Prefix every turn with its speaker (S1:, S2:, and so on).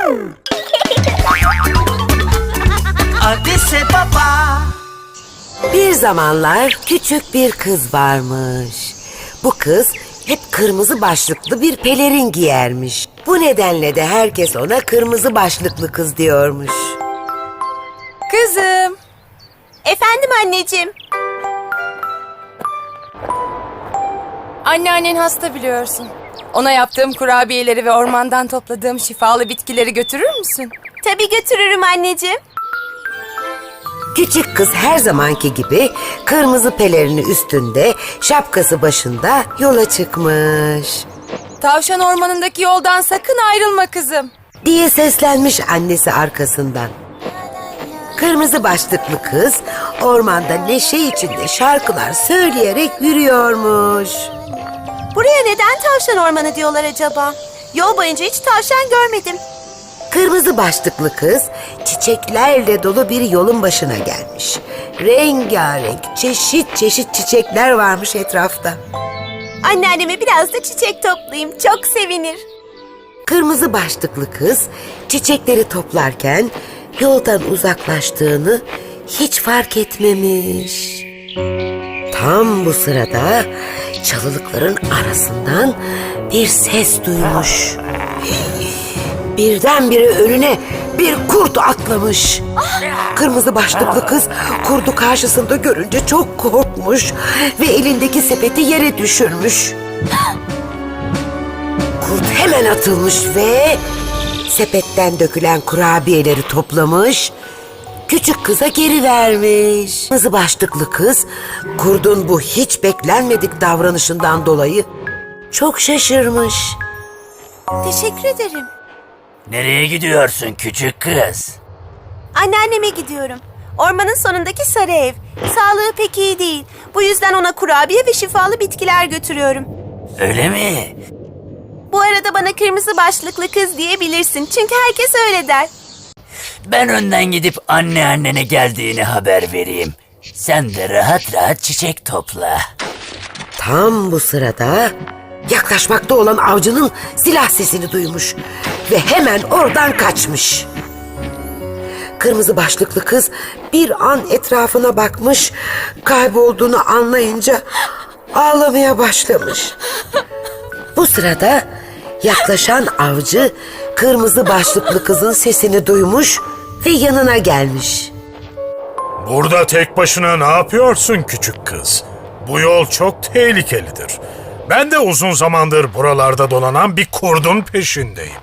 S1: Adise Baba.
S2: Bir zamanlar küçük bir kız varmış. Bu kız hep kırmızı başlıklı bir pelerin giyermiş. Bu nedenle de herkes ona kırmızı başlıklı kız diyormuş.
S3: Kızım.
S4: Efendim anneciğim.
S3: Anneannen hasta biliyorsun. Ona yaptığım kurabiyeleri ve ormandan topladığım şifalı bitkileri götürür müsün?
S4: Tabii götürürüm anneciğim.
S2: Küçük kız her zamanki gibi kırmızı pelerini üstünde, şapkası başında yola çıkmış.
S3: Tavşan ormanındaki yoldan sakın ayrılma kızım.
S2: Diye seslenmiş annesi arkasından. Kırmızı başlıklı kız ormanda neşe içinde şarkılar söyleyerek yürüyormuş.
S4: Buraya neden tavşan ormanı diyorlar acaba? Yol boyunca hiç tavşan görmedim.
S2: Kırmızı başlıklı kız çiçeklerle dolu bir yolun başına gelmiş. Rengarenk, çeşit çeşit çiçekler varmış etrafta.
S4: Anneanneme biraz da çiçek toplayayım. Çok sevinir.
S2: Kırmızı başlıklı kız çiçekleri toplarken yoldan uzaklaştığını hiç fark etmemiş. Tam bu sırada çalılıkların arasından bir ses duymuş. Birdenbire önüne bir kurt atlamış. Kırmızı başlıklı kız kurdu karşısında görünce çok korkmuş ve elindeki sepeti yere düşürmüş. Kurt hemen atılmış ve sepetten dökülen kurabiyeleri toplamış, küçük kıza geri vermiş. Kırmızı başlıklı kız kurdun bu hiç beklenmedik davranışından dolayı çok şaşırmış.
S4: Teşekkür ederim.
S1: Nereye gidiyorsun küçük kız?
S4: Anneanneme gidiyorum. Ormanın sonundaki sarı ev. Sağlığı pek iyi değil. Bu yüzden ona kurabiye ve şifalı bitkiler götürüyorum.
S1: Öyle mi?
S4: Bu arada bana kırmızı başlıklı kız diyebilirsin. Çünkü herkes öyle der.
S1: Ben önden gidip anneannene geldiğini haber vereyim. Sen de rahat rahat çiçek topla.
S2: Tam bu sırada yaklaşmakta olan avcının silah sesini duymuş ve hemen oradan kaçmış. Kırmızı başlıklı kız bir an etrafına bakmış, kaybolduğunu anlayınca ağlamaya başlamış. Bu sırada yaklaşan avcı kırmızı başlıklı kızın sesini duymuş ve yanına gelmiş.
S5: Burada tek başına ne yapıyorsun küçük kız? Bu yol çok tehlikelidir. Ben de uzun zamandır buralarda dolanan bir kurdun peşindeyim.